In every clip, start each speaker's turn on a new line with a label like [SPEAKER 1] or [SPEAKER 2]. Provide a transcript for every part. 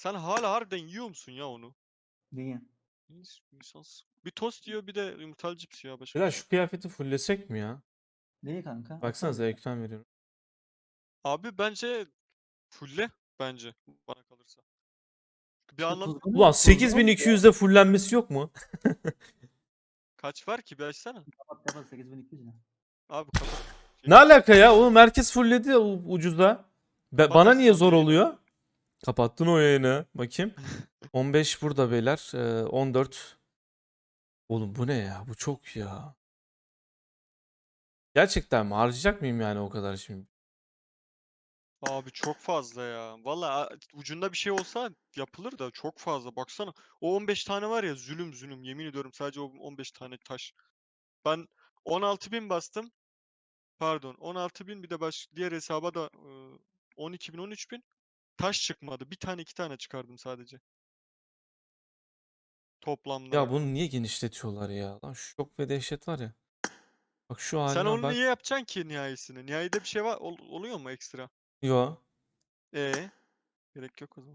[SPEAKER 1] Sen hala harbiden yiyor musun ya onu?
[SPEAKER 2] Niye?
[SPEAKER 1] Bir tost yiyor bir de yumurtalı cips yiyor başka bir
[SPEAKER 3] Biraz
[SPEAKER 1] şey.
[SPEAKER 3] şu kıyafeti fullesek mi ya?
[SPEAKER 2] Niye kanka?
[SPEAKER 3] Baksanıza ekran veriyorum.
[SPEAKER 1] Abi bence fulle bence bana kalırsa. Bir
[SPEAKER 2] İşte
[SPEAKER 1] anlam
[SPEAKER 3] Ulan
[SPEAKER 2] tuzlu mu?
[SPEAKER 3] 8200'de fullenmesi yok mu?
[SPEAKER 1] kaç var ki bir açsana.
[SPEAKER 2] Kapat 8200 ne?
[SPEAKER 1] Abi kapat.
[SPEAKER 3] Ne alaka ya? Oğlum herkes fullledi ucuzda. Bana niye
[SPEAKER 1] Batarsın
[SPEAKER 3] zor
[SPEAKER 1] abi yayını.
[SPEAKER 3] oluyor? Kapattın o yayını. Bakayım. 15 burada beyler. 14. Oğlum bu ne ya? Bu çok ya. Gerçekten mi? Harcayacak mıyım yani o kadar şimdi?
[SPEAKER 1] Abi çok fazla ya. Valla ucunda bir şey olsa yapılır da çok fazla. Baksana o 15 tane var ya zulüm zulüm yemin ediyorum sadece o 15 tane taş. Ben 16.000 bastım. Pardon 16.000 bir de diğer hesaba da 12.000 13.000 taş çıkmadı. Bir tane iki tane çıkardım sadece. Toplamda
[SPEAKER 3] Ya
[SPEAKER 1] yani.
[SPEAKER 3] bunu niye genişletiyorlar ya? Lan şok ve dehşet var ya. Bak şu
[SPEAKER 1] Sen
[SPEAKER 3] haline
[SPEAKER 1] onu
[SPEAKER 3] bak.
[SPEAKER 1] niye yapacaksın ki nihayesini? Nihayede bir şey var oluyor mu ekstra?
[SPEAKER 3] Yo.
[SPEAKER 1] Gerek yok o zaman.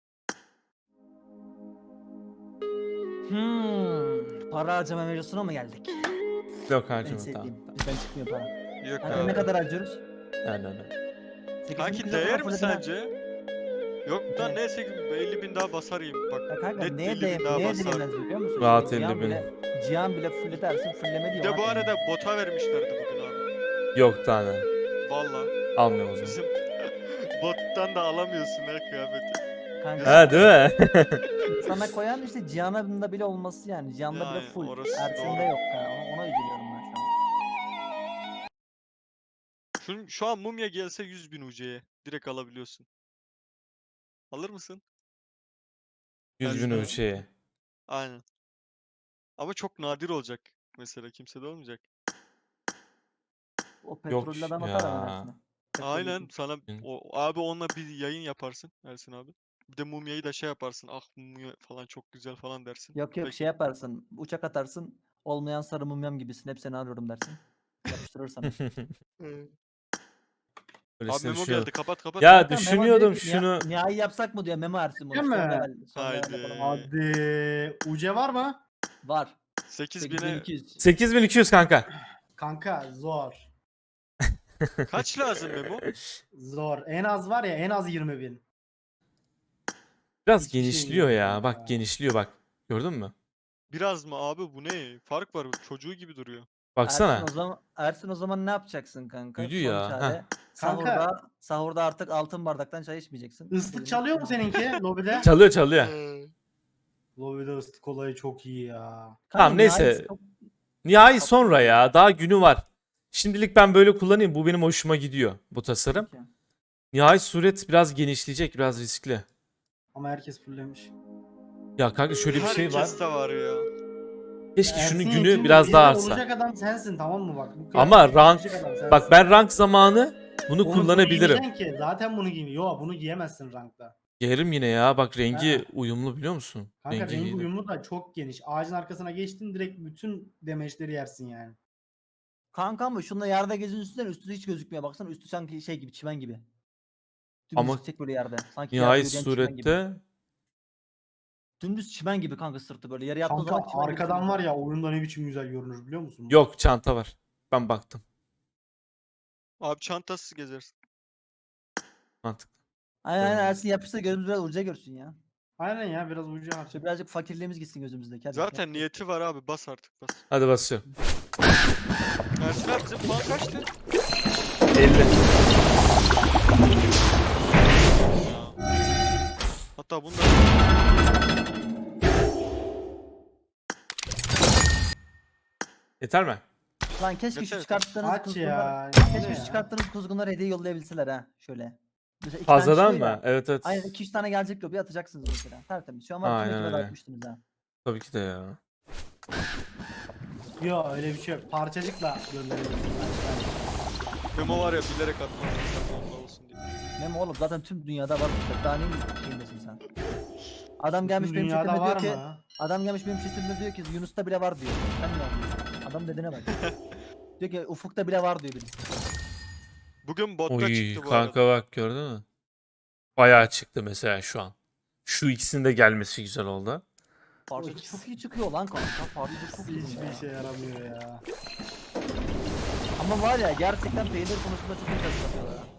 [SPEAKER 2] Para harcama mevzusuna mı geldik?
[SPEAKER 3] Yok
[SPEAKER 2] En
[SPEAKER 3] harcama
[SPEAKER 2] sevdiğim.
[SPEAKER 3] tamam.
[SPEAKER 2] Bizden çıkmıyor para.
[SPEAKER 1] Yok
[SPEAKER 2] Kanka
[SPEAKER 1] abi.
[SPEAKER 2] ne kadar harcıyoruz?
[SPEAKER 3] Yani.
[SPEAKER 1] kanki
[SPEAKER 2] 8200
[SPEAKER 1] değer
[SPEAKER 2] kadar
[SPEAKER 1] mi
[SPEAKER 2] full
[SPEAKER 1] sence? Yok lan
[SPEAKER 2] Evet.
[SPEAKER 1] neyse 50.000 daha basarayım bak.
[SPEAKER 2] Ya kanka
[SPEAKER 1] Net
[SPEAKER 2] neye,
[SPEAKER 1] 50.000 daha
[SPEAKER 2] neye
[SPEAKER 1] basar.
[SPEAKER 2] değmez biliyor musun?
[SPEAKER 3] Rahat
[SPEAKER 2] Şimdi
[SPEAKER 3] 50 bin.
[SPEAKER 2] Cihan bile full dersin fullemedi
[SPEAKER 1] Bir
[SPEAKER 2] ya
[SPEAKER 1] de
[SPEAKER 2] ona
[SPEAKER 1] bu
[SPEAKER 2] değmez.
[SPEAKER 1] arada bota vermişlerdi bugün abi.
[SPEAKER 3] Yok tane.
[SPEAKER 1] Valla.
[SPEAKER 3] Almıyorum o zaman.
[SPEAKER 1] Bizim bottan da alamıyorsun her kıyafeti.
[SPEAKER 2] Kanka
[SPEAKER 3] Ha değil mi?
[SPEAKER 2] sana koyan işte Cihan'ın bile olması yani. Cihan'da bile
[SPEAKER 1] Yani
[SPEAKER 2] full.
[SPEAKER 1] orası
[SPEAKER 2] Ersin'de
[SPEAKER 1] doğru.
[SPEAKER 2] yok kanka. Ona üzülüyorum ben şu an.
[SPEAKER 1] Şu an mumya gelse 100.000 UC'ye. Direkt alabiliyorsun. Alır mısın?
[SPEAKER 3] 100 bin
[SPEAKER 1] Ersin abi.
[SPEAKER 3] ölçeği.
[SPEAKER 1] Aynen. Ama çok nadir olacak. Mesela kimsede olmayacak.
[SPEAKER 2] O
[SPEAKER 3] Yok
[SPEAKER 2] petrollü adam
[SPEAKER 3] ya.
[SPEAKER 2] atar hemen Ersin'e.
[SPEAKER 1] Aynen
[SPEAKER 2] Petrollü.
[SPEAKER 1] sana o abi onunla bir yayın yaparsın Ersin abi. Bir de mumyayı da şey yaparsın. Ah mumya falan çok güzel falan dersin.
[SPEAKER 2] Yok
[SPEAKER 1] Belki
[SPEAKER 2] şey yaparsın. Uçak atarsın. Olmayan sarı mumyam gibisin. Hep seni arıyorum dersin. Yapıştırır sana.
[SPEAKER 1] Abi
[SPEAKER 3] Öylesine
[SPEAKER 1] Memo
[SPEAKER 3] düşünüyordum.
[SPEAKER 1] geldi. Kapat kapat.
[SPEAKER 3] Ya
[SPEAKER 2] Kanka Memo diyor
[SPEAKER 3] düşünüyordum
[SPEAKER 2] ki
[SPEAKER 3] şunu.
[SPEAKER 2] nihai yapsak mı diyor Memo Ersin bunu.
[SPEAKER 4] Değil
[SPEAKER 2] Son
[SPEAKER 4] mi?
[SPEAKER 2] level. Son level
[SPEAKER 1] Haydi.
[SPEAKER 2] yapalım.
[SPEAKER 4] Hadi. UC var mı?
[SPEAKER 2] Var.
[SPEAKER 1] 8.000'e
[SPEAKER 2] 8200.
[SPEAKER 3] 8200 kanka.
[SPEAKER 4] Kanka zor.
[SPEAKER 1] kaç lazım Memo?
[SPEAKER 4] Zor. En az var ya en az 20.000.
[SPEAKER 3] Biraz
[SPEAKER 4] Hiçbir şey
[SPEAKER 3] genişliyor
[SPEAKER 4] yok
[SPEAKER 3] ya.
[SPEAKER 4] kanka.
[SPEAKER 3] Bak genişliyor bak. Gördün mü?
[SPEAKER 1] Biraz mı abi bu ne? Fark var çocuğu gibi duruyor.
[SPEAKER 3] Baksana.
[SPEAKER 2] Ersin o zaman ne yapacaksın kanka?
[SPEAKER 3] Büyüdü
[SPEAKER 2] Son
[SPEAKER 3] ya. Heh.
[SPEAKER 2] çare.
[SPEAKER 4] Kanka
[SPEAKER 2] Sahurda artık altın bardaktan çay içmeyeceksin.
[SPEAKER 4] ıslık
[SPEAKER 2] Elini
[SPEAKER 4] çalıyor mu
[SPEAKER 2] içeceksin.
[SPEAKER 4] seninki lobide?
[SPEAKER 3] Çalıyor çalıyor.
[SPEAKER 4] Lobide ıslık olayı çok iyi ya.
[SPEAKER 2] Kanka
[SPEAKER 3] Tamam neyse.
[SPEAKER 2] nihai çok-
[SPEAKER 3] Nihai sonra ya. Daha günü var. Şimdilik ben böyle kullanayım. Bu benim hoşuma gidiyor. Bu tasarım.
[SPEAKER 2] Peki.
[SPEAKER 3] Nihai suret biraz genişleyecek. Biraz riskli.
[SPEAKER 4] Ama herkes fullemiş.
[SPEAKER 3] Ya kanka şöyle bir şey var.
[SPEAKER 1] Herkes de var ya.
[SPEAKER 3] Keşke şunun
[SPEAKER 4] Ersin
[SPEAKER 3] günü
[SPEAKER 4] Yekin,
[SPEAKER 3] biraz
[SPEAKER 4] bizde
[SPEAKER 3] daha artsa.
[SPEAKER 4] olacak adam sensin tamam mı bak. Bu
[SPEAKER 3] Ama
[SPEAKER 4] kıyafeti
[SPEAKER 3] rank.
[SPEAKER 4] giyecek adam sensin.
[SPEAKER 3] Bak ben rank zamanı bunu
[SPEAKER 4] Bunu
[SPEAKER 3] kullanabilirim.
[SPEAKER 4] giymeyeceksin ki. Zaten bunu giymiyor. Yo bunu giyemezsin rankta.
[SPEAKER 3] Giyerim yine ya. Bak rengi
[SPEAKER 4] Ha.
[SPEAKER 3] uyumlu biliyor musun?
[SPEAKER 4] Kanka rengi
[SPEAKER 3] giydim.
[SPEAKER 4] uyumu da çok geniş. Ağacın arkasına geçtin direkt bütün demeçleri yersin yani.
[SPEAKER 2] Kanka ama şunla yerde gezin üstünden üstü hiç gözükmüyor. Baksana üstü sanki şey gibi çimen gibi. Dümdüz
[SPEAKER 3] Ama
[SPEAKER 2] gidecek böyle yerde. Sanki yerde
[SPEAKER 3] nihai
[SPEAKER 2] yürüyen çimen gibi.
[SPEAKER 3] surette
[SPEAKER 2] Dümdüz çimen gibi kanka sırtı böyle. Yere yattığı
[SPEAKER 4] Kanka
[SPEAKER 2] zaman çimen gibi
[SPEAKER 4] arkadan
[SPEAKER 2] sırtı.
[SPEAKER 4] var ya oyunda ne biçim güzel görünür biliyor musun?
[SPEAKER 3] yok çanta var. Ben baktım.
[SPEAKER 1] Abi çantasız gezersin.
[SPEAKER 3] Mantıklı.
[SPEAKER 2] Aynen
[SPEAKER 3] Tamam.
[SPEAKER 2] Ersin yapıştır gözümüz biraz uca görsün ya.
[SPEAKER 4] Aynen ya biraz ucu harca.
[SPEAKER 2] Şöyle birazcık fakirliğimiz gitsin gözümüzdeki. Hadi,
[SPEAKER 1] Zaten
[SPEAKER 2] yap.
[SPEAKER 1] niyeti var abi bas artık bas.
[SPEAKER 3] Hadi basıyorum.
[SPEAKER 1] Ersin abi bizim puan kaçtı?
[SPEAKER 3] 50.
[SPEAKER 1] Hatta bunda
[SPEAKER 3] Yeter mi?
[SPEAKER 2] Lan keşke
[SPEAKER 1] Yeter.
[SPEAKER 2] şu çıkarttığınız
[SPEAKER 4] Aç
[SPEAKER 2] kuzgunlar.
[SPEAKER 4] ya.
[SPEAKER 2] Keşke
[SPEAKER 4] Ne
[SPEAKER 2] şu
[SPEAKER 4] ya?
[SPEAKER 2] çıkarttığınız kuzgunları hediye yollayabilseler ha. Şöyle. Mesela iki tane
[SPEAKER 3] Fazladan
[SPEAKER 2] çıkıyor ya.
[SPEAKER 3] mı? Evet evet.
[SPEAKER 2] Aynen 2-3 tane gelecek lobiye atacaksınız mesela. Tertemiz. Şu an var tüm
[SPEAKER 3] Aynen
[SPEAKER 2] ekibe
[SPEAKER 3] öyle.
[SPEAKER 2] dağıtmıştınız ha.
[SPEAKER 3] Tabii ki de ya.
[SPEAKER 4] Yo öyle bir şey yok. Parçacıkla gönderebilirsin.
[SPEAKER 1] Memo var ya bilerek atmaz. Onda olsun diye.
[SPEAKER 2] Memo oğlum zaten tüm dünyada var. Daha neyin şeyindesin sen? Adam gelmiş
[SPEAKER 4] Bütün
[SPEAKER 2] benim
[SPEAKER 4] dünyada
[SPEAKER 2] chatimde diyor
[SPEAKER 4] var
[SPEAKER 2] ki
[SPEAKER 4] mı?
[SPEAKER 2] adam gelmiş benim chatimde diyor ki Yunus'ta bile var diyor. Sen ne yapıyorsun? Adam dediğine bak. Diyor ki Ufuk'ta bile var diyor birisi.
[SPEAKER 1] Bugün botta
[SPEAKER 3] Oy
[SPEAKER 1] çıktı bu
[SPEAKER 3] kanka
[SPEAKER 1] arada.
[SPEAKER 3] bak gördün mü? Bayağı çıktı mesela şu an. Şu ikisinin de gelmesi güzel oldu.
[SPEAKER 2] Parçacık
[SPEAKER 4] ikisi-
[SPEAKER 2] çok iyi çıkıyor lan kanka. Parçacık çok iyi.
[SPEAKER 4] Hiçbir
[SPEAKER 2] ya.
[SPEAKER 4] işe yaramıyor ya.
[SPEAKER 2] Ama var ya gerçekten peynir konusunda çok iyi çalışıyorlar. ha.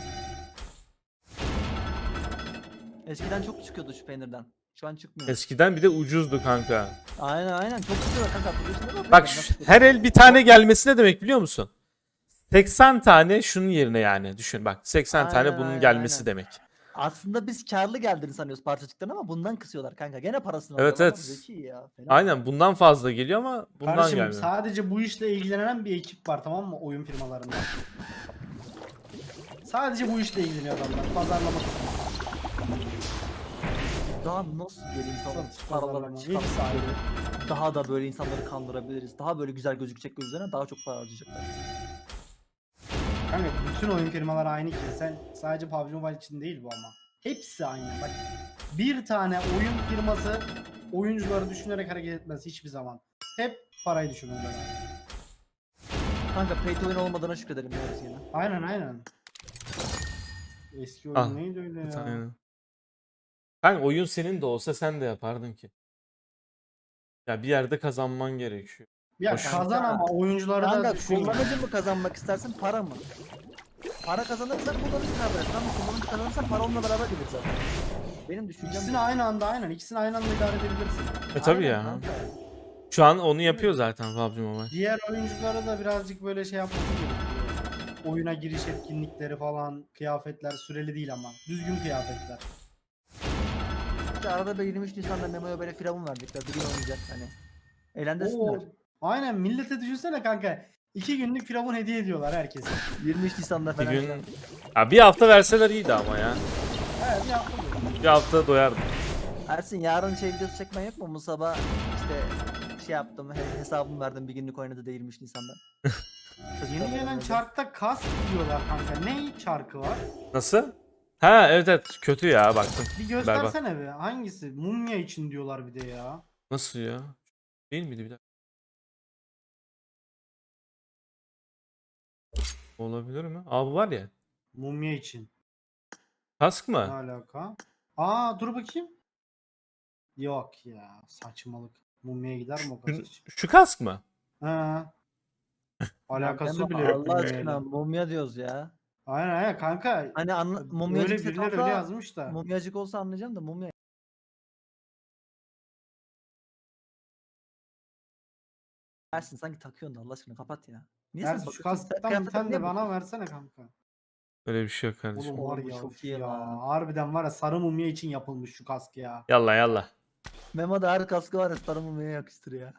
[SPEAKER 2] Eskiden çok çıkıyordu şu peynirden. Şu an çıkmıyor.
[SPEAKER 3] Eskiden bir de ucuzdu kanka.
[SPEAKER 2] Aynen çok çıkıyor kanka. Biliyorsun değil mi?
[SPEAKER 3] Bak
[SPEAKER 2] Nasıl
[SPEAKER 3] şu,
[SPEAKER 2] çıkıyor?
[SPEAKER 3] her el bir tane gelmesi ne demek biliyor musun? 80 tane şunun yerine yani düşün bak 80 tane
[SPEAKER 2] Aynen,
[SPEAKER 3] bunun
[SPEAKER 2] aynen,
[SPEAKER 3] gelmesi
[SPEAKER 2] aynen.
[SPEAKER 3] demek.
[SPEAKER 2] Aslında biz karlı geldiğini sanıyoruz parçacıktan ama bundan kısıyorlar kanka. Gene parasını
[SPEAKER 3] Evet,
[SPEAKER 2] alıyorlar.
[SPEAKER 3] evet.
[SPEAKER 2] Zeki ya. Fena.
[SPEAKER 3] Aynen bundan fazla geliyor ama bundan
[SPEAKER 4] Kardeşim
[SPEAKER 3] gelmiyor.
[SPEAKER 4] sadece bu işle ilgilenen bir ekip var, tamam mı, oyun firmalarında. Sadece bu işle ilgileniyor adamlar. Pazarlama kısmı.
[SPEAKER 2] Daha nasıl böyle insanları
[SPEAKER 4] Satış
[SPEAKER 2] paraları
[SPEAKER 4] pazarlama.
[SPEAKER 2] çıkartıp
[SPEAKER 4] Hepsi ayrı.
[SPEAKER 2] böyle daha da böyle insanları kandırabiliriz. Daha böyle güzel gözükecek gözlerine daha çok para harcayacaklar.
[SPEAKER 4] Kanka bütün oyun firmaları aynı ki. Sen sadece PUBG Mobile için değil bu ama. Hepsi aynı. Bak bir tane oyun firması oyuncuları düşünerek hareket etmez hiçbir zaman. Hep parayı düşünürler.
[SPEAKER 2] Kanka pay to win olmadığına şükredelim ya biz yine.
[SPEAKER 4] Aynen. Eski oyun
[SPEAKER 3] Ah,
[SPEAKER 4] neydi öyle ya?
[SPEAKER 3] Aynen. Kanka oyun senin de olsa sen de yapardın ki. Ya bir yerde kazanman gerekiyor.
[SPEAKER 4] Ya
[SPEAKER 3] Hoş.
[SPEAKER 4] kazan ama oyuncuları da
[SPEAKER 2] Kanka
[SPEAKER 4] düşün.
[SPEAKER 2] kullanıcı mı kazanmak istersin para mı? Para kazanırsan kullanıcı kazanır. Ama kullanıcı kazanırsan para onunla beraber gelir zaten. Benim düşüncem
[SPEAKER 4] İkisini
[SPEAKER 2] bu.
[SPEAKER 4] aynı anda aynen. İkisini aynı anda idare edebilirsin.
[SPEAKER 3] Tabii
[SPEAKER 2] Aynen
[SPEAKER 3] ya.
[SPEAKER 2] kanka.
[SPEAKER 3] Şu an onu yapıyor zaten PUBG Mobile.
[SPEAKER 4] Diğer oyunculara da birazcık böyle şey yapması gerekiyor. Oyuna giriş etkinlikleri falan, kıyafetler süreli değil ama. Düzgün kıyafetler.
[SPEAKER 2] İşte arada bir 23 Nisan'da Memo'ya böyle firavun verdikler. Bir gün oynayacak hani. Eğlendirsinler.
[SPEAKER 4] Oo, aynen millete düşünsene kanka. 2 günlük firavun hediye ediyorlar herkese.
[SPEAKER 2] 23 Nisan'da
[SPEAKER 3] Bir
[SPEAKER 2] falan.
[SPEAKER 3] gün
[SPEAKER 2] filan.
[SPEAKER 3] ya bir hafta verseler iyiydi ama ya.
[SPEAKER 4] Evet bir hafta böyle.
[SPEAKER 3] Bir hafta doyardım.
[SPEAKER 2] Ersin yarın şey videosu çekmen yok mu? Bu sabah işte şey yaptım. Hesabımı verdim bir günlük oynadı da 23 Nisan'da.
[SPEAKER 4] Yeni gelen çarkta kask diyorlar kanka. Ne çarkı var?
[SPEAKER 3] Nasıl? Ha evet kötü ya baktım.
[SPEAKER 4] Bir
[SPEAKER 3] Berbat.
[SPEAKER 4] göstersene bir. Hangisi? Mumya için diyorlar bir de ya.
[SPEAKER 3] Nasıl ya? Değil miydi bir dakika? Olabilir mi? Aa bu var ya.
[SPEAKER 4] Mumya için.
[SPEAKER 3] Kask
[SPEAKER 4] Ne
[SPEAKER 3] mı?
[SPEAKER 4] alaka? Aa dur bakayım. Yok ya saçmalık. Mumya'ya gider mi o
[SPEAKER 3] Şu,
[SPEAKER 4] kask?
[SPEAKER 3] şu kask mı?
[SPEAKER 4] Ha. Alakası
[SPEAKER 2] Memo,
[SPEAKER 4] bile yok
[SPEAKER 2] Allah aşkına
[SPEAKER 4] mumyayla.
[SPEAKER 2] mumya diyoruz ya.
[SPEAKER 4] Aynen kanka.
[SPEAKER 2] Hani
[SPEAKER 4] Öyle
[SPEAKER 2] mumyacık set
[SPEAKER 4] birileri öyle
[SPEAKER 2] olsa
[SPEAKER 4] yazmış da.
[SPEAKER 2] mumyacık olsa anlayacağım da mumya. Ersin sanki takıyorsun da Allah aşkına kapat ya. Niye sen
[SPEAKER 4] Ersin şu
[SPEAKER 2] bakıyorsun? Sen
[SPEAKER 4] kasktan bir
[SPEAKER 2] kıyafete
[SPEAKER 4] tane
[SPEAKER 2] niye
[SPEAKER 4] de bana
[SPEAKER 2] bakıyorsun?
[SPEAKER 4] versene kanka.
[SPEAKER 3] Öyle bir şey yok kardeşim.
[SPEAKER 4] Oğlum var
[SPEAKER 2] Oğlum bu
[SPEAKER 4] ya,
[SPEAKER 2] çok
[SPEAKER 4] üf
[SPEAKER 2] iyi
[SPEAKER 4] ya.
[SPEAKER 2] lan.
[SPEAKER 4] Harbiden var ya sarı mumya için yapılmış şu kask ya.
[SPEAKER 3] Yallah yallah.
[SPEAKER 2] Memo da her kaskı var ya sarı mumyaya yakıştırıyor.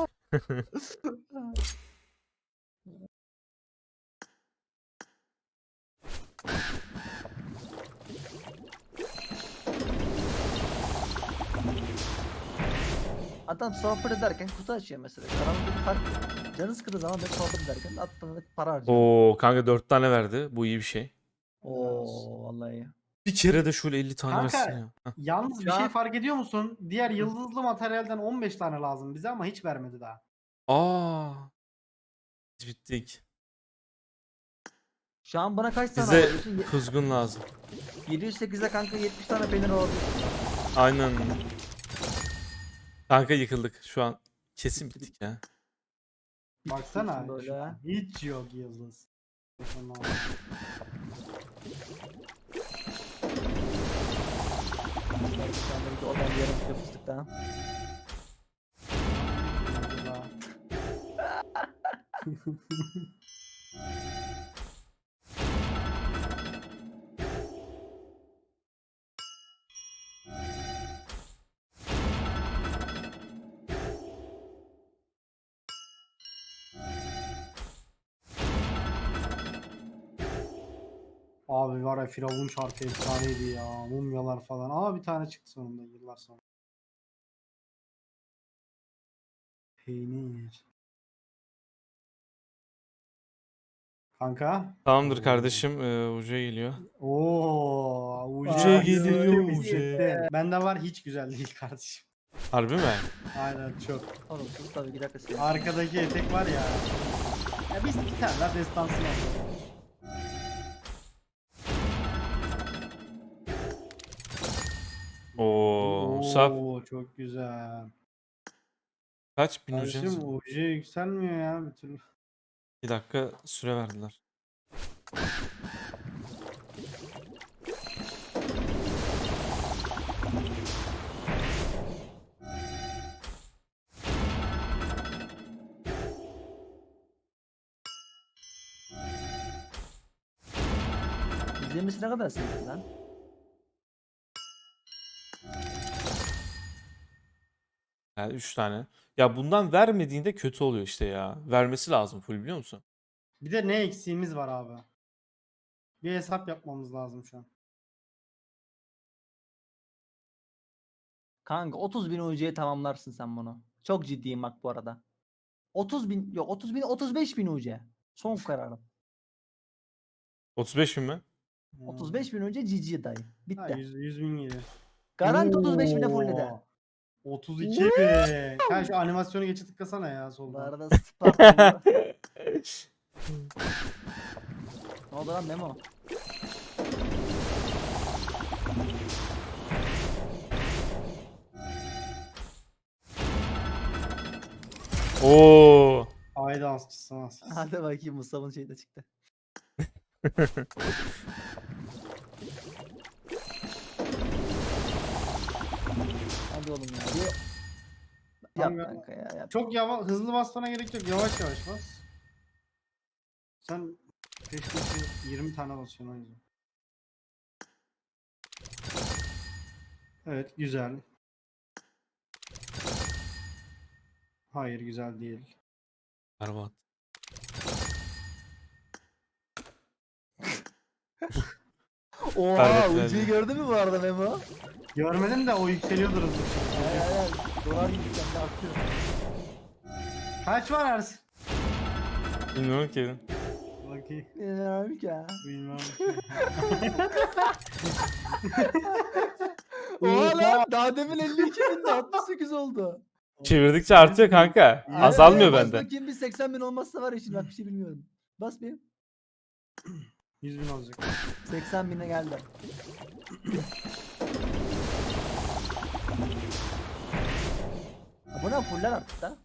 [SPEAKER 2] Adam sohbet ederken kutu açıyor mesela. Aramızda bir fark yok. Canı sıkıldığı zaman ben sohbet ederken attığında para harcıyor.
[SPEAKER 3] Oo kanka 4 tane verdi. Bu iyi bir şey.
[SPEAKER 2] Oo vallahi iyi.
[SPEAKER 3] Bir kere de şöyle 50 tane
[SPEAKER 4] Kanka,
[SPEAKER 3] versin ya. Heh.
[SPEAKER 4] Yalnız bir
[SPEAKER 2] Şu
[SPEAKER 4] şey
[SPEAKER 2] an-
[SPEAKER 4] fark ediyor musun? Diğer yıldızlı materyalden 15 tane lazım bize ama hiç vermedi daha.
[SPEAKER 3] Aa. Biz bittik.
[SPEAKER 2] Şu an bana kaç tane
[SPEAKER 3] Bize
[SPEAKER 2] alabiliyorsun?
[SPEAKER 3] kuzgun lazım.
[SPEAKER 2] 708'e kanka 70 tane peynir alabiliyorsun.
[SPEAKER 3] Aynen. Kanka yıkıldık şu an. Kesin bittik ya.
[SPEAKER 4] Baksana
[SPEAKER 2] böyle
[SPEAKER 4] şu
[SPEAKER 2] ha.
[SPEAKER 4] an hiç yok yıldız. Tamam.
[SPEAKER 2] Şu anda bir de oradan bir yarım kilo fıstık daha.
[SPEAKER 4] Abi var ya Firavun şarkı efsaneydi ya. Mumyalar falan. Aa bir tane çıktı sonunda yıllar sonra. Peynir. Kanka.
[SPEAKER 3] Tamamdır kardeşim. Uca geliyor.
[SPEAKER 4] Oo,
[SPEAKER 3] Uca geliyor,
[SPEAKER 4] uca. Bende var hiç güzel değil kardeşim.
[SPEAKER 3] Harbi mi?
[SPEAKER 4] Aynen çok.
[SPEAKER 2] Oğlum sus tabii bir dakika sen.
[SPEAKER 4] Arkadaki etek var ya. Ya biz bir tane daha destansını aldık.
[SPEAKER 3] Oo, Musab
[SPEAKER 4] Oo çok güzel.
[SPEAKER 3] kaç bin
[SPEAKER 4] Kardeşim
[SPEAKER 3] ucuz?
[SPEAKER 4] UC yükselmiyor ya bir türlü.
[SPEAKER 3] 2 dakika süre verdiler.
[SPEAKER 2] İzlemesi ne kadar sevdi lan?
[SPEAKER 3] Yani 3 tane. Ya bundan vermediğinde kötü oluyor işte ya. Vermesi lazım full, biliyor musun?
[SPEAKER 4] Bir de ne eksiğimiz var abi? Bir hesap yapmamız lazım şu an.
[SPEAKER 2] Kanka 30.000 UC'ye tamamlarsın sen bunu. Çok ciddiyim bak bu arada. 30.000 yok 30.000 35.000 UC. Son kararım.
[SPEAKER 3] 35 bin mi?
[SPEAKER 2] 35.000 UC GG dayı.
[SPEAKER 4] Ha,
[SPEAKER 2] Bitti.
[SPEAKER 4] 100 bin geliyor.
[SPEAKER 2] Garanti 35.000'e fullledi.
[SPEAKER 4] 32 bin. Ha şu animasyonu geçe tıklasana ya
[SPEAKER 2] Bu
[SPEAKER 4] soldan.
[SPEAKER 2] arada Spartalı. Ne oldu lan Memo?
[SPEAKER 3] Oo.
[SPEAKER 4] Ay dansçısı nasıl?
[SPEAKER 2] Hadi bakayım Mustafa'nın şeyi de çıktı. Hadi oğlum ya. Bir...
[SPEAKER 4] Tamam
[SPEAKER 2] Yap
[SPEAKER 4] ya.
[SPEAKER 2] kanka ya yap.
[SPEAKER 4] Çok hızlı basmana gerek yok. Yavaş yavaş bas. Sen peş peşe 20 tane basıyorsun o yüzden. Evet güzel. Hayır güzel değil.
[SPEAKER 3] Berbat.
[SPEAKER 2] Oha
[SPEAKER 3] Berbat
[SPEAKER 2] UC'yi
[SPEAKER 3] geldi.
[SPEAKER 2] gördün mü bu arada Memo?
[SPEAKER 4] Görmedim de o yükseliyordur hızlı.
[SPEAKER 2] Hayır. Dolar gibi sen de artıyor.
[SPEAKER 4] Kaç var Ersin?
[SPEAKER 3] Bilmiyorum ki.
[SPEAKER 4] Bakayım.
[SPEAKER 2] İnanamıyorum ki ya.
[SPEAKER 4] Bilmem.
[SPEAKER 2] Oha lan daha demin 52.000'de 68 oldu.
[SPEAKER 3] Çevirdikçe artıyor kanka.
[SPEAKER 4] İyi.
[SPEAKER 3] Azalmıyor
[SPEAKER 2] Bas
[SPEAKER 3] bende.
[SPEAKER 2] bakayım bir 80.000 olmazsa var ya şimdi bak bir şey bilmiyorum. Bas bir.
[SPEAKER 4] 100 bin olacak.
[SPEAKER 2] 80.000'e geldi. Abone fuller artık da.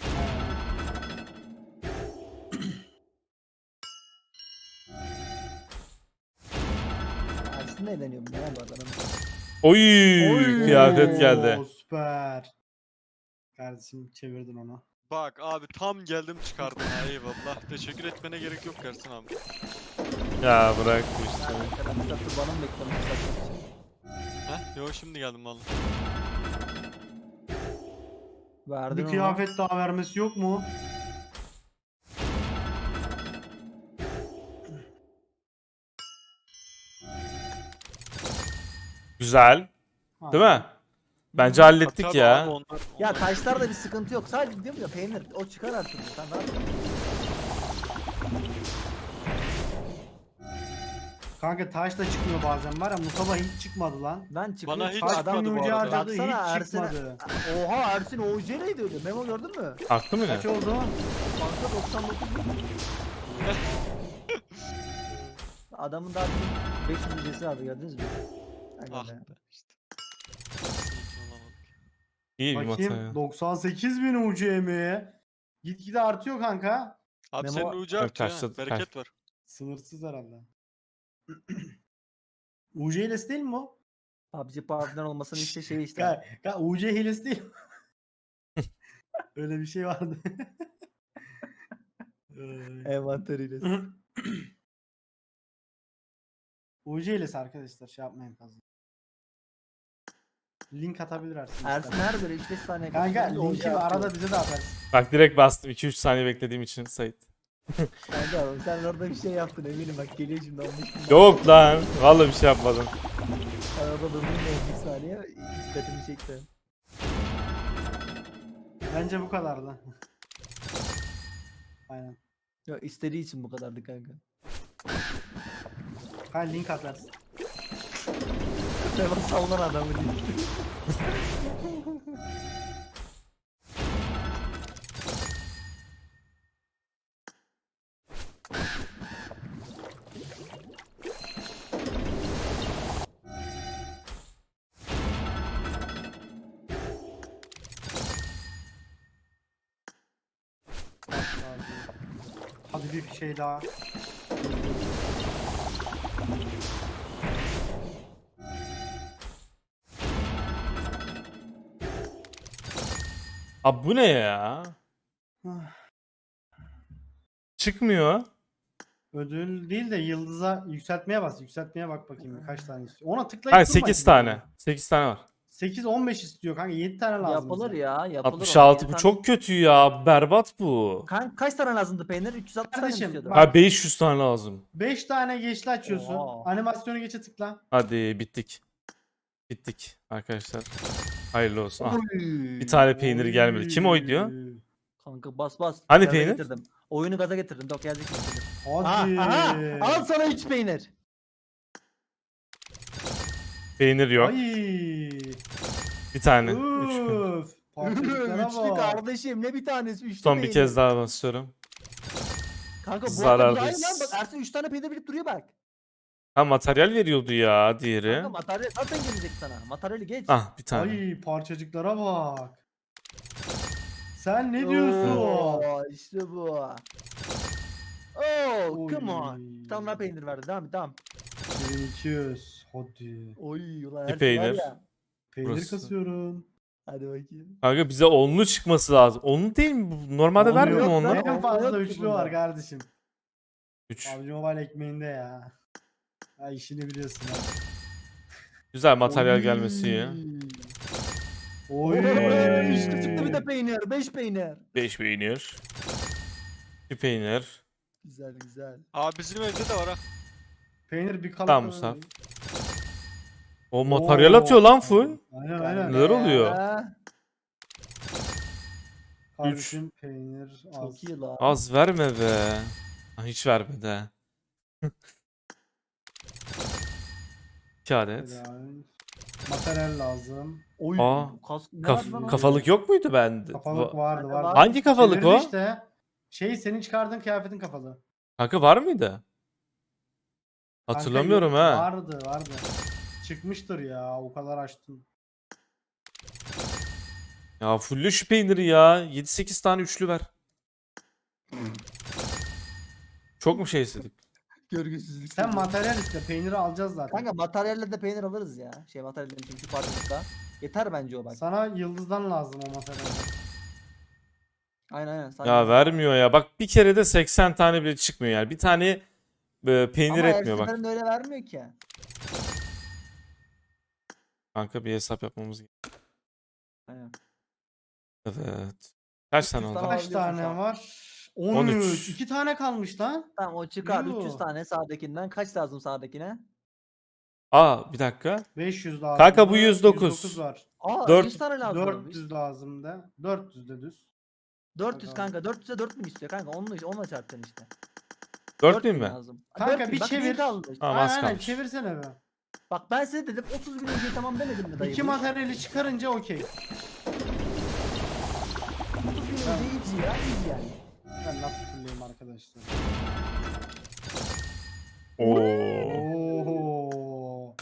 [SPEAKER 2] Ersin de eğleniyor bu ne bu adam.
[SPEAKER 3] Oy,
[SPEAKER 2] Oy.
[SPEAKER 3] kıyafet geldi.
[SPEAKER 4] Oo, süper. Kardeşim çevirdin onu.
[SPEAKER 1] Bak abi tam geldim çıkardım ha, eyvallah. Teşekkür etmene gerek yok Ersin abi.
[SPEAKER 3] Ya bırak bu işte.
[SPEAKER 2] Arkadaşlar bana mı beklemiş satmak için?
[SPEAKER 1] Heh, yo şimdi geldim valla.
[SPEAKER 2] Verdin
[SPEAKER 4] Bir
[SPEAKER 2] onu.
[SPEAKER 4] kıyafet daha vermesi yok mu?
[SPEAKER 3] Güzel. Değil mi? Bence hallettik
[SPEAKER 1] Tabii
[SPEAKER 3] ya.
[SPEAKER 1] abi onlar,
[SPEAKER 2] Ya
[SPEAKER 1] onlar-
[SPEAKER 2] taşlarda bir sıkıntı yok. Sadece diyorum ya peynir o çıkar artık. Sen rahat ol.
[SPEAKER 4] Kanka taş da çıkmıyor bazen var ya, Musab'a hiç çıkmadı lan.
[SPEAKER 2] Lan çıkıyor.
[SPEAKER 1] Bana hiç
[SPEAKER 2] çıkıyor.
[SPEAKER 4] Kaç
[SPEAKER 1] çıkmadı
[SPEAKER 4] bin
[SPEAKER 1] bu
[SPEAKER 4] ucu
[SPEAKER 1] arada.
[SPEAKER 4] harcadı
[SPEAKER 2] Baksana
[SPEAKER 4] hiç
[SPEAKER 2] Ersin'e.
[SPEAKER 4] çıkmadı.
[SPEAKER 2] Oha Ersin OJ neydi öyle? Memo gördün mü?
[SPEAKER 3] Haklı mı ne?
[SPEAKER 4] Kaç oldu?
[SPEAKER 2] Banka 99 bin. Adamın daha bir 500 ücreti vardı gördünüz mü? Aynen
[SPEAKER 1] Ah
[SPEAKER 2] be.
[SPEAKER 1] be işte. Hiç olamadık.
[SPEAKER 3] İyi bir mata
[SPEAKER 4] Bakayım
[SPEAKER 3] ya.
[SPEAKER 4] 98 bin ucu emeği. Gitgide artıyor kanka.
[SPEAKER 1] Abi
[SPEAKER 2] Memo-
[SPEAKER 1] senin ucu
[SPEAKER 3] Evet,
[SPEAKER 1] artıyor
[SPEAKER 3] kaçta-
[SPEAKER 1] ha. Bereket var.
[SPEAKER 4] Sınırsız herhalde. UC hilesi değil mi o?
[SPEAKER 2] PUBG Power'dan olmasının işte şeyi işte.
[SPEAKER 4] UC hilesi değil mi? Öyle bir şey vardı.
[SPEAKER 2] Envanteriyle.
[SPEAKER 4] UC hilesi arkadaşlar, şey yapmayın fazla. Link atabilir Ersin.
[SPEAKER 2] Ersin
[SPEAKER 4] istersen.
[SPEAKER 2] her böyle 3-5 saniye
[SPEAKER 4] Kanka
[SPEAKER 2] kaçırınca OJ
[SPEAKER 4] linki
[SPEAKER 2] atıyor.
[SPEAKER 4] arada bize de atarsın.
[SPEAKER 3] Bak direkt bastım 2-3 saniye beklediğim için Sait.
[SPEAKER 2] Kanka oğlum sen orada bir şey yaptın eminim bak geliyor şimdi 15 bin.
[SPEAKER 3] Yok lan. Vallahi bir şey yapmadım.
[SPEAKER 2] Sen orada durdun 15 saniye dikkatimi çekti.
[SPEAKER 4] Bence bu kadardı. Aynen.
[SPEAKER 2] Yok istediği için bu kadardı kanka.
[SPEAKER 4] Kanka link atarsın.
[SPEAKER 2] Memo savunan adamı değil.
[SPEAKER 4] Hadi bir şey daha.
[SPEAKER 3] Abi bu ne ya? Çıkmıyor.
[SPEAKER 4] Ödül değil de yıldıza yükseltmeye bas. Yükseltmeye bak bakayım kaç tane istiyor. Ona tıklayıp
[SPEAKER 3] Hayır
[SPEAKER 4] durma
[SPEAKER 3] 8
[SPEAKER 4] şimdi.
[SPEAKER 3] tane. 8 tane var.
[SPEAKER 4] 8 15 istiyor kanka. 7 tane lazım.
[SPEAKER 2] Yapılır
[SPEAKER 4] bize.
[SPEAKER 2] ya. Yapılır.
[SPEAKER 3] 66 bu çok kötü ya. Berbat bu.
[SPEAKER 2] Kaç tane lazımdı peynir? 360 tane mi
[SPEAKER 4] Kardeşim,
[SPEAKER 2] istiyordu?
[SPEAKER 4] bak-
[SPEAKER 3] Ha 500 tane lazım.
[SPEAKER 4] 5 tane geçli açıyorsun.
[SPEAKER 2] Oha.
[SPEAKER 4] Animasyonu geçe tıkla.
[SPEAKER 3] Hadi bittik. Bittik arkadaşlar. Hayırlı olsun. Ah,
[SPEAKER 2] Oy.
[SPEAKER 3] bir tane peynir gelmedi. Kim oy diyor?
[SPEAKER 2] Kanka bas.
[SPEAKER 3] Hani
[SPEAKER 2] Gaza
[SPEAKER 3] peynir?
[SPEAKER 2] Getirdim. Oyunu gaza getirdim. Dok gelecek getirdim.
[SPEAKER 4] Hadi.
[SPEAKER 2] Aha. Al sana 3 peynir.
[SPEAKER 3] Peynir yok.
[SPEAKER 4] Ay.
[SPEAKER 3] Bir tane. 3.
[SPEAKER 4] Üf. Parçacıklara
[SPEAKER 2] Üçlü
[SPEAKER 4] bak.
[SPEAKER 2] kardeşim ne bir tanesi? Üçlü
[SPEAKER 3] Son bir
[SPEAKER 2] peynir.
[SPEAKER 3] kez daha basıyorum.
[SPEAKER 2] Kanka bu
[SPEAKER 3] Zarardayız.
[SPEAKER 2] arada aynı lan bak Ersin 3 tane peynir bilip duruyor bak.
[SPEAKER 3] Ha materyal veriyordu ya diğeri.
[SPEAKER 2] Kanka materyal zaten gelecek sana. Materyali geç.
[SPEAKER 3] Ah bir tane.
[SPEAKER 4] Ay parçacıklara bak. Sen ne diyorsun?
[SPEAKER 2] Oo, işte bu. Oh,
[SPEAKER 4] Oy.
[SPEAKER 2] come on. Bir tane daha peynir verdi. Devam.
[SPEAKER 4] 2200. Hadi.
[SPEAKER 2] Oy ulan
[SPEAKER 3] Bir
[SPEAKER 2] Ersin
[SPEAKER 3] peynir.
[SPEAKER 2] var ya.
[SPEAKER 4] Peynir
[SPEAKER 3] Burası.
[SPEAKER 4] kasıyorum.
[SPEAKER 2] Hadi bakayım.
[SPEAKER 3] Kanka bize onlu çıkması lazım. Onlu değil mi? bu? Normalde
[SPEAKER 4] Onlu
[SPEAKER 3] vermiyor mu
[SPEAKER 2] yok lan.
[SPEAKER 3] onlu?
[SPEAKER 4] En fazla
[SPEAKER 2] Yok ki
[SPEAKER 4] üçlü
[SPEAKER 2] bunda.
[SPEAKER 4] var kardeşim.
[SPEAKER 3] 3.
[SPEAKER 4] PUBG Mobile ekmeğinde ya. Ya işini biliyorsun ha.
[SPEAKER 3] Güzel materyal
[SPEAKER 2] Oy.
[SPEAKER 3] gelmesi iyi.
[SPEAKER 4] Oy.
[SPEAKER 2] Üçlü çıktı bir de peynir. 5 peynir.
[SPEAKER 3] 5 peynir. Bir peynir.
[SPEAKER 2] Güzel.
[SPEAKER 1] Abi bizim evde de var ha.
[SPEAKER 4] Peynir bir kalıp.
[SPEAKER 3] Tamam Musab. O materyal atıyor lan full.
[SPEAKER 4] Aynen.
[SPEAKER 3] Neler oluyor?
[SPEAKER 4] Kardeşim peynir az.
[SPEAKER 2] Çok iyi lan.
[SPEAKER 3] Az verme be. Ha, hiç vermedi ha. 2 adet.
[SPEAKER 4] Helal. Materyal lazım.
[SPEAKER 2] Oy.
[SPEAKER 3] Aa,
[SPEAKER 2] Ne var lan o?
[SPEAKER 3] Kafalık yok muydu bende?
[SPEAKER 4] Kafalık vardı.
[SPEAKER 3] Hangi kafalık
[SPEAKER 4] Çevirdi
[SPEAKER 3] o?
[SPEAKER 4] işte. Senin çıkardığın kıyafetin kafalı.
[SPEAKER 3] Kanka var mıydı?
[SPEAKER 4] Kanka
[SPEAKER 3] Hatırlamıyorum
[SPEAKER 4] yok,
[SPEAKER 3] ha.
[SPEAKER 4] Vardı. Çıkmıştır ya o kadar açtım.
[SPEAKER 3] Ya fulle şu peyniri ya. 7-8 tane üçlü ver. Çok mu şey istedik?
[SPEAKER 2] Görgüsüzlük.
[SPEAKER 4] Sen materyal iste peyniri alacağız zaten.
[SPEAKER 2] Kanka materyalle de peynir alırız ya. Materyallerin çünkü şu parçacıkta. Yeter bence o bak.
[SPEAKER 4] Sana yıldızdan lazım o materyal.
[SPEAKER 2] Aynen.
[SPEAKER 3] Ya vermiyor ya. Bak bir kere de 80 tane bile çıkmıyor yani. Bir tane peynir
[SPEAKER 2] Ama
[SPEAKER 3] etmiyor
[SPEAKER 2] her
[SPEAKER 3] bak.
[SPEAKER 2] seferinde öyle vermiyor ki.
[SPEAKER 3] Kanka bir hesap yapmamız gerekiyor.
[SPEAKER 2] Aynen.
[SPEAKER 3] Evet. Kaç tane
[SPEAKER 2] 300
[SPEAKER 3] oldu?
[SPEAKER 2] tane
[SPEAKER 4] Kaç
[SPEAKER 2] alabiliyorsun
[SPEAKER 4] tane
[SPEAKER 2] şu an.
[SPEAKER 4] var?
[SPEAKER 3] 13.
[SPEAKER 4] 13. 2 tane kalmış lan.
[SPEAKER 2] Tamam o çıkar.
[SPEAKER 4] Yoo.
[SPEAKER 2] 300 tane sağdakinden. Kaç lazım sağdakine?
[SPEAKER 3] Aa bir dakika.
[SPEAKER 4] 500 lazım.
[SPEAKER 3] Kanka bu 109.
[SPEAKER 4] 109 var.
[SPEAKER 2] Aa
[SPEAKER 3] 4
[SPEAKER 2] 100 tane lazım.
[SPEAKER 4] 400 lazım da. 400 de düz.
[SPEAKER 2] 400 kanka. 400'e 4000 istiyor kanka. Onunla çarpacaksın işte.
[SPEAKER 3] 4000 mi?
[SPEAKER 2] lazım.
[SPEAKER 4] Kanka
[SPEAKER 2] 4000.
[SPEAKER 4] bir
[SPEAKER 2] Bak,
[SPEAKER 4] çevir.
[SPEAKER 2] kaldı.
[SPEAKER 3] Tamam az
[SPEAKER 4] Aynen
[SPEAKER 3] kalmış.
[SPEAKER 4] çevirsene be.
[SPEAKER 2] Bak ben size dedim 30 bin önce tamam demedim mi dayı?
[SPEAKER 4] 2 materyali çıkarınca okey.
[SPEAKER 2] 30 bin önce easy ya. Easy yani.
[SPEAKER 4] Ben nasıl fulleyim arkadaşlar.
[SPEAKER 3] Oo.
[SPEAKER 4] Oho.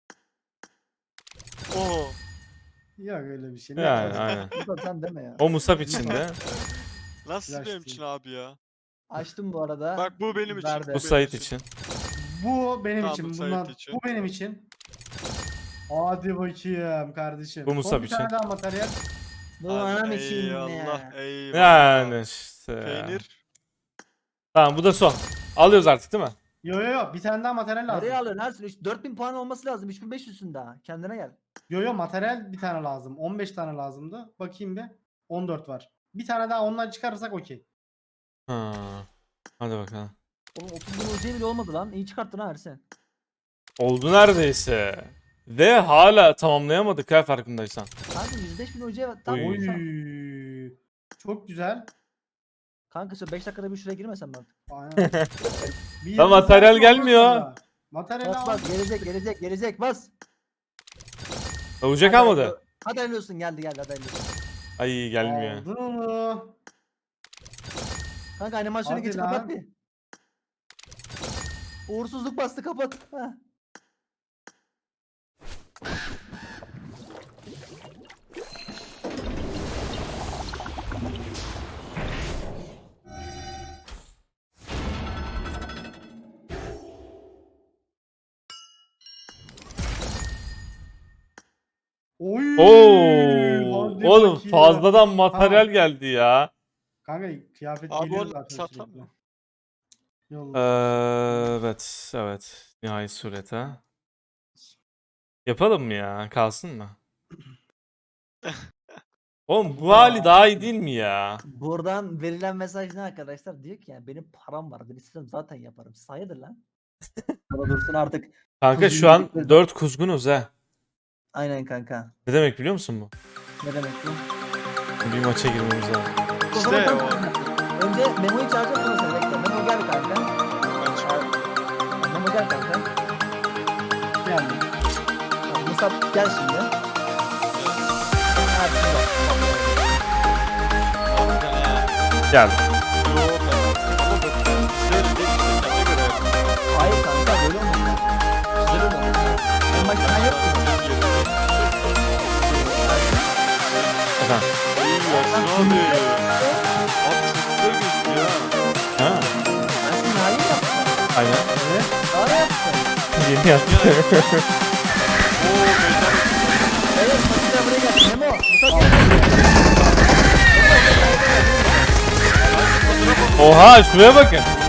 [SPEAKER 1] Oo.
[SPEAKER 4] Yok öyle bir şey. Ne
[SPEAKER 3] Yani
[SPEAKER 4] kadar-
[SPEAKER 3] aynen.
[SPEAKER 2] Bu da sen deme ya.
[SPEAKER 3] O Musab içinde.
[SPEAKER 1] Nasıl
[SPEAKER 4] Flash
[SPEAKER 1] benim
[SPEAKER 4] değil.
[SPEAKER 1] için abi ya?
[SPEAKER 2] Açtım bu arada.
[SPEAKER 1] Bak bu benim için.
[SPEAKER 2] Verdi.
[SPEAKER 3] Bu
[SPEAKER 1] benim
[SPEAKER 3] Sait için.
[SPEAKER 4] Bu benim
[SPEAKER 1] Tamam,
[SPEAKER 4] için.
[SPEAKER 1] bu Sait
[SPEAKER 4] Bunlar,
[SPEAKER 1] için.
[SPEAKER 4] bu benim için. Hadi bakayım kardeşim.
[SPEAKER 3] Bu Musab
[SPEAKER 4] Son bir
[SPEAKER 3] için.
[SPEAKER 4] tane daha materyal.
[SPEAKER 2] Bu anam için
[SPEAKER 1] Eyvallah.
[SPEAKER 2] ya.
[SPEAKER 1] Eyvallah.
[SPEAKER 3] Yani işte.
[SPEAKER 1] Peynir.
[SPEAKER 3] Tamam bu da son. Alıyoruz artık değil mi?
[SPEAKER 4] Yo bir tane daha materyal lazım.
[SPEAKER 2] Nereye alıyorsun Ersin? 4000 puan olması lazım. 3500'sün daha. Kendine gel.
[SPEAKER 4] Yo materyal bir tane lazım. 15 tane lazımdı. Bakayım bir. 14 var. Bir tane daha ondan çıkarırsak okey.
[SPEAKER 3] Ha. Hadi bakalım.
[SPEAKER 2] Oğlum 30 bin hocaya bile olmadı lan. İyi çıkarttın ha Ersin.
[SPEAKER 3] Oldu neredeyse. Ve hala tamamlayamadık ha farkındaysan.
[SPEAKER 2] Kanka 105 bin hocaya tam
[SPEAKER 3] Oy.
[SPEAKER 4] Oy. Çok güzel.
[SPEAKER 2] Kanka şu 5 dakikada bir şuraya girmesen mi artık?
[SPEAKER 4] Aynen. Bir
[SPEAKER 3] Lan
[SPEAKER 4] yıldız
[SPEAKER 3] materyal
[SPEAKER 4] versin ondan
[SPEAKER 3] gelmiyor.
[SPEAKER 4] sonra. Materyal
[SPEAKER 2] Bas
[SPEAKER 4] al.
[SPEAKER 2] bas gelecek bas.
[SPEAKER 3] Olacak
[SPEAKER 2] Hadi
[SPEAKER 3] almadı.
[SPEAKER 2] hayırlı- Hadi hayırlı olsun geldi hadi hayırlı olsun.
[SPEAKER 3] Ay gelmiyor.
[SPEAKER 4] Aldın onu.
[SPEAKER 2] Kanka animasyonu
[SPEAKER 4] Hadi
[SPEAKER 2] geç
[SPEAKER 4] lan.
[SPEAKER 2] kapat bir. Uğursuzluk bastı kapat. Heh.
[SPEAKER 4] Oy.
[SPEAKER 3] Oo,
[SPEAKER 4] hadi
[SPEAKER 3] oğlum
[SPEAKER 4] bakayım.
[SPEAKER 3] fazladan materyal
[SPEAKER 4] Tamam.
[SPEAKER 3] geldi ya.
[SPEAKER 4] Kanka kıyafet
[SPEAKER 1] Abi
[SPEAKER 4] geliyor
[SPEAKER 1] onu
[SPEAKER 4] zaten
[SPEAKER 1] satam
[SPEAKER 4] sürekli.
[SPEAKER 1] mı?
[SPEAKER 4] Yolla.
[SPEAKER 3] Evet, evet. Nihayet surete. Yapalım mı ya? Kalsın mı? Oğlum bu hali daha iyi değil mi ya?
[SPEAKER 2] Buradan verilen mesaj ne arkadaşlar? Diyor ki yani benim param var. Ben istesem zaten yaparım. Siz hayırdır lan? Sana dursun artık.
[SPEAKER 3] Kanka
[SPEAKER 2] Kuzgun
[SPEAKER 3] şu an
[SPEAKER 2] dedikleri-
[SPEAKER 3] 4 kuzgunuz ha.
[SPEAKER 2] Aynen kanka.
[SPEAKER 3] Ne demek biliyor musun bu?
[SPEAKER 2] Ne demek bu?
[SPEAKER 3] Bir maça girmemiz lazım.
[SPEAKER 1] İşte o.
[SPEAKER 2] Önce Memo'yu çağıracağım sonra seni bekle. Memo gel kanka.
[SPEAKER 1] Ben çıkıyorum.
[SPEAKER 2] Memo gel kanka.
[SPEAKER 4] Geldim.
[SPEAKER 2] Tamam, Musab gel şimdi. Hadi şimdi bak.
[SPEAKER 3] Gel.
[SPEAKER 2] Hayır kanka böyle olmaz. Güzel olmaz. En başta ben yok muyum?
[SPEAKER 3] Efendim. Ha,
[SPEAKER 2] Ben şimdi hayır yaptım.
[SPEAKER 3] aynen.
[SPEAKER 2] Daha yaptım.
[SPEAKER 3] Yeni yaptı.
[SPEAKER 2] Evet Musab buraya gel. Memo. Musab gel.
[SPEAKER 3] Oha şuraya bakın.